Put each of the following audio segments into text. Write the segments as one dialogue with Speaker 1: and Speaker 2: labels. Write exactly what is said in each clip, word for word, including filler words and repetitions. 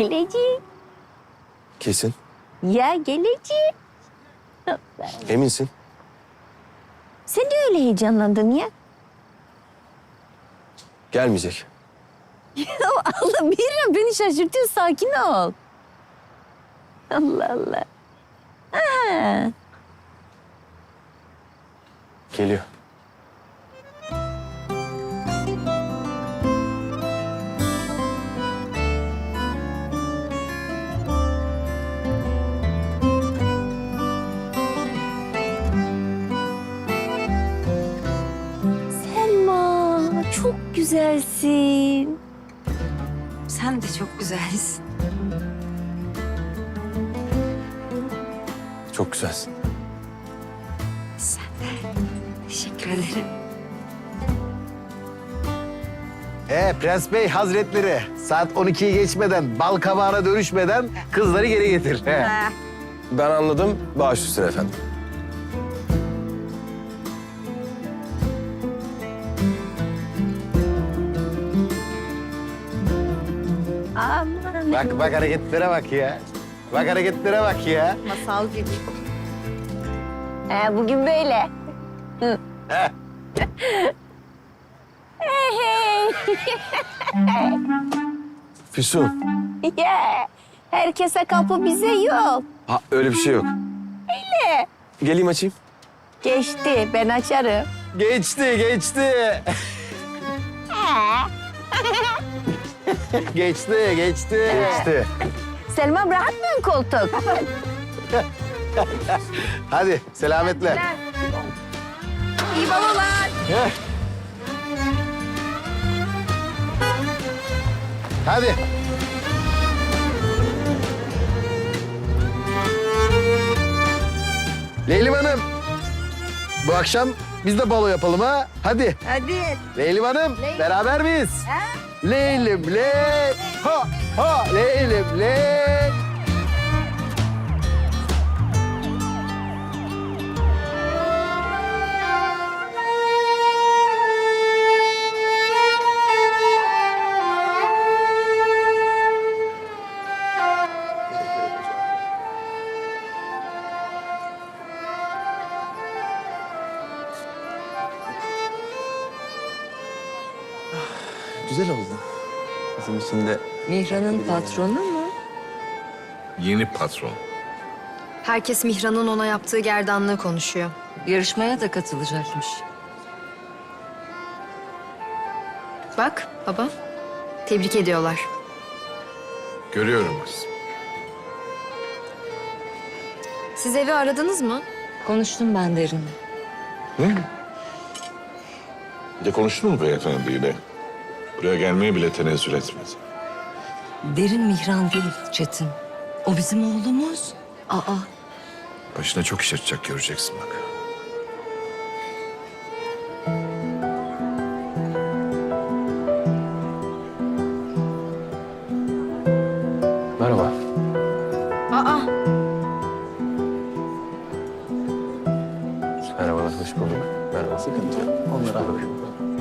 Speaker 1: Gelecek.
Speaker 2: Kesin.
Speaker 1: Ya gelecek.
Speaker 2: Eminsin.
Speaker 1: Sen de öyle heyecanlandın ya.
Speaker 2: Gelmeyecek.
Speaker 1: Allah Mihran beni şaşırtıyor. Sakin ol. Allah Allah. Ha.
Speaker 2: Geliyor.
Speaker 1: Selma çok güzelsin.
Speaker 3: Sen de çok güzelsin.
Speaker 2: Çok güzelsin.
Speaker 3: Sen de. Teşekkür ederim.
Speaker 4: Ee Prens Bey Hazretleri, saat on ikiyi geçmeden, bal kabağına dönüşmeden kızları geri getir. He.
Speaker 2: Ben anladım. Baş üstüne efendim.
Speaker 1: Aman.
Speaker 4: Bak bak hareketlere bak ya. Bak hareketlere bak ya.
Speaker 3: Masal gibi.
Speaker 1: Ha, bugün böyle. Hı.
Speaker 4: Heh.
Speaker 1: Hey hey.
Speaker 2: Füsun.
Speaker 1: Ya, herkese kapı bize yok.
Speaker 2: Ha öyle bir şey yok.
Speaker 1: Öyle.
Speaker 2: Geleyim açayım.
Speaker 1: Geçti, ben açarım.
Speaker 4: Geçti, geçti. geçti, geçti. Geçti.
Speaker 1: Selma bırakmıyorsun koltuk.
Speaker 4: Hadi selametle.
Speaker 1: İyi babalar.
Speaker 4: Heh. Hadi. Leylim Hanım. Bu akşam biz de balo yapalım ha. Hadi.
Speaker 1: Hadi.
Speaker 4: Leylim Hanım, beraber miyiz? Leylim ley. Ha ha Leylim ley.
Speaker 2: Güzel oldu. Bizim için de
Speaker 3: Mihran'ın patronu mu?
Speaker 5: Yeni patron.
Speaker 6: Herkes Mihran'ın ona yaptığı gerdanlığı konuşuyor.
Speaker 3: Yarışmaya da katılacakmış.
Speaker 6: Bak baba, tebrik ediyorlar.
Speaker 5: Görüyorum kız.
Speaker 6: Siz evi aradınız mı?
Speaker 3: Konuştum ben Derin'le.
Speaker 5: Bir de konuştun mu beyefendiyle? Buraya gelmeye bile tenezzül etmedi.
Speaker 3: Derin Mihran değil Çetin. O bizim oğlumuz. Aa,
Speaker 5: Başına çok iş açacak göreceksin bak.
Speaker 2: merhaba.
Speaker 6: Aa,
Speaker 2: Merhabalar, hoş bulduk. Merhaba. Sıkıntı yok. Onlara hoş bulduk.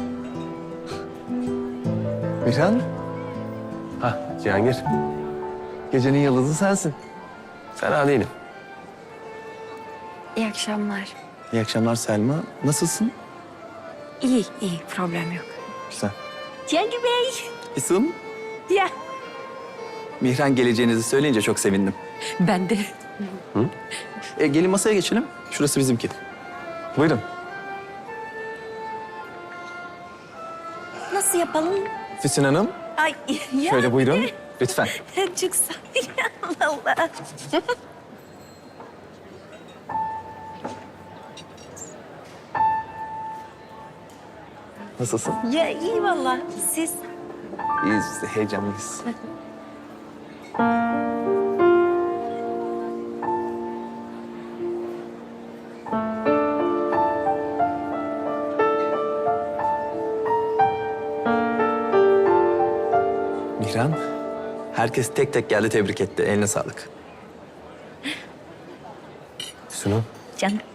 Speaker 7: Mihran,
Speaker 2: Ha, Cihangir.
Speaker 7: gecenin yıldızı sensin.
Speaker 2: Fena değilim.
Speaker 6: iyi akşamlar.
Speaker 7: İyi akşamlar Selma. Nasılsın?
Speaker 6: İyi, iyi. Problem yok.
Speaker 7: Güzel.
Speaker 1: Cengi Bey.
Speaker 7: İsim?
Speaker 1: Ya.
Speaker 7: Mihran geleceğinizi söyleyince çok sevindim.
Speaker 1: Ben de.
Speaker 7: E, gelin masaya geçelim. Şurası bizimki. Buyurun.
Speaker 1: Nasıl yapalım?
Speaker 7: Füsun Hanım,
Speaker 1: Ay ya.
Speaker 7: şöyle buyurun. Lütfen.
Speaker 1: Çok sağ ol. Allah Allah.
Speaker 7: Nasılsın?
Speaker 1: Ya iyi vallahi. Siz?
Speaker 7: İyiyiz biz de, heyecanlıyız. Mihran, herkes tek tek geldi tebrik etti. Eline sağlık.
Speaker 2: Füsun'um.
Speaker 1: Canım.